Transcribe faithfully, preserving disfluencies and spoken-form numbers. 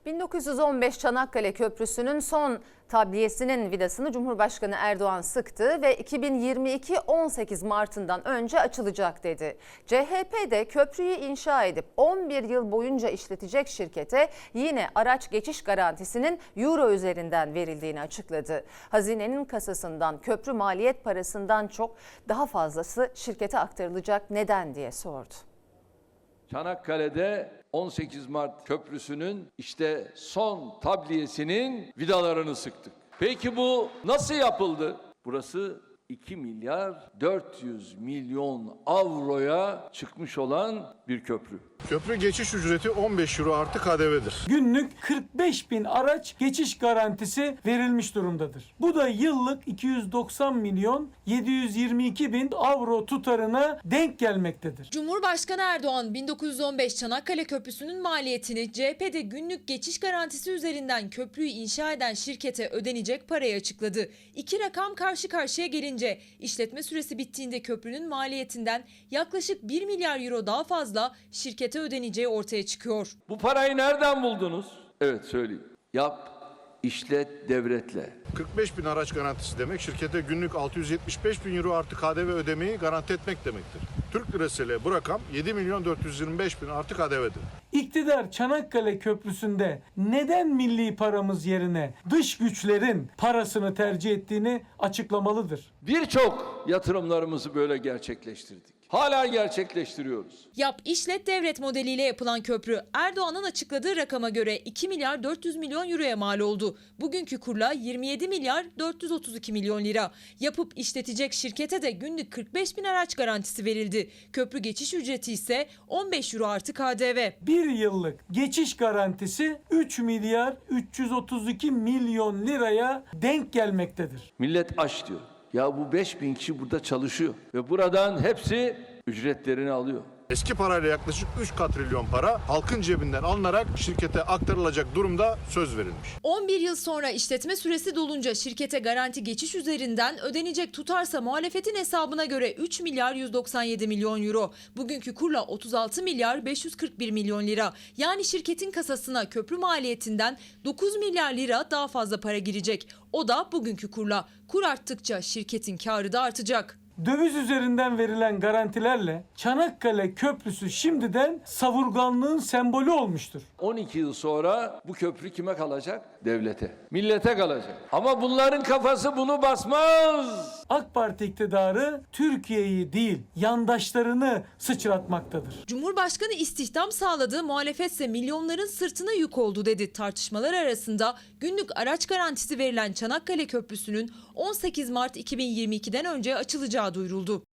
bin dokuz yüz on beş Çanakkale Köprüsü'nün son tabliyesinin vidasını Cumhurbaşkanı Erdoğan sıktı ve iki bin yirmi iki on sekiz Mart'ından önce açılacak dedi. C H P de köprüyü inşa edip on bir yıl boyunca işletecek şirkete yine araç geçiş garantisinin euro üzerinden verildiğini açıkladı. Hazinenin kasasından köprü maliyet parasından çok daha fazlası şirkete aktarılacak, neden diye sordu. Çanakkale'de on sekiz Mart Köprüsü'nün işte son tabliyesinin vidalarını sıktık. Peki bu nasıl yapıldı? Burası iki milyar dört yüz milyon avroya çıkmış olan bir köprü. Köprü geçiş ücreti on beş euro artı K D V'dir. Günlük kırk beş bin araç geçiş garantisi verilmiş durumdadır. Bu da yıllık iki yüz doksan milyon yedi yüz yirmi iki bin avro tutarına denk gelmektedir. Cumhurbaşkanı Erdoğan bin dokuz yüz on beş Çanakkale Köprüsü'nün maliyetini C H P'de günlük geçiş garantisi üzerinden köprüyü inşa eden şirkete ödenecek parayı açıkladı. İki rakam karşı karşıya gelince işletme süresi bittiğinde köprünün maliyetinden yaklaşık bir milyar euro daha fazla şirkete ödeneceği ortaya çıkıyor. Bu parayı nereden buldunuz? Evet, söyleyeyim. Yap, işlet, devretle. kırk beş bin araç garantisi demek şirkete günlük altı yüz yetmiş beş bin euro artı K D V ödemeyi garanti etmek demektir. Türk lirasıyla bu rakam yedi milyon dört yüz yirmi beş bin artı K D V'dir. İktidar Çanakkale Köprüsü'nde neden milli paramız yerine dış güçlerin parasını tercih ettiğini açıklamalıdır. Birçok yatırımlarımızı böyle gerçekleştirdik. Hala gerçekleştiriyoruz. Yap işlet devlet modeliyle yapılan köprü Erdoğan'ın açıkladığı rakama göre iki milyar dört yüz milyon euroya mal oldu. Bugünkü kurla yirmi yedi milyar dört yüz otuz iki milyon lira. Yapıp işletecek şirkete de günlük kırk beş bin araç garantisi verildi. Köprü geçiş ücreti ise on beş euro artı K D V. Bir yıllık geçiş garantisi üç milyar üç yüz otuz iki milyon liraya denk gelmektedir. Millet aç diyor. Ya bu beş bin kişi burada çalışıyor ve buradan hepsi ücretlerini alıyor. Eski parayla yaklaşık üç katrilyon para halkın cebinden alınarak şirkete aktarılacak durumda söz verilmiş. on bir yıl sonra işletme süresi dolunca şirkete garanti geçiş üzerinden ödenecek tutarsa muhalefetin hesabına göre üç milyar yüz doksan yedi milyon euro. Bugünkü kurla otuz altı milyar beş yüz kırk bir milyon lira. Yani şirketin kasasına köprü maliyetinden dokuz milyar lira daha fazla para girecek. O da bugünkü kurla. Kur arttıkça şirketin karı da artacak. Döviz üzerinden verilen garantilerle Çanakkale Köprüsü şimdiden savurganlığın sembolü olmuştur. on iki yıl sonra bu köprü kime kalacak? Devlete, millete kalacak. Ama bunların kafası bunu basmaz. AK Parti iktidarı Türkiye'yi değil, yandaşlarını sıçratmaktadır. Cumhurbaşkanı istihdam sağladı, muhalefetse milyonların sırtına yük oldu dedi. Tartışmalar arasında günlük araç garantisi verilen Çanakkale Köprüsü'nün on sekiz Mart iki bin yirmi iki'den önce açılacağı duyuruldu.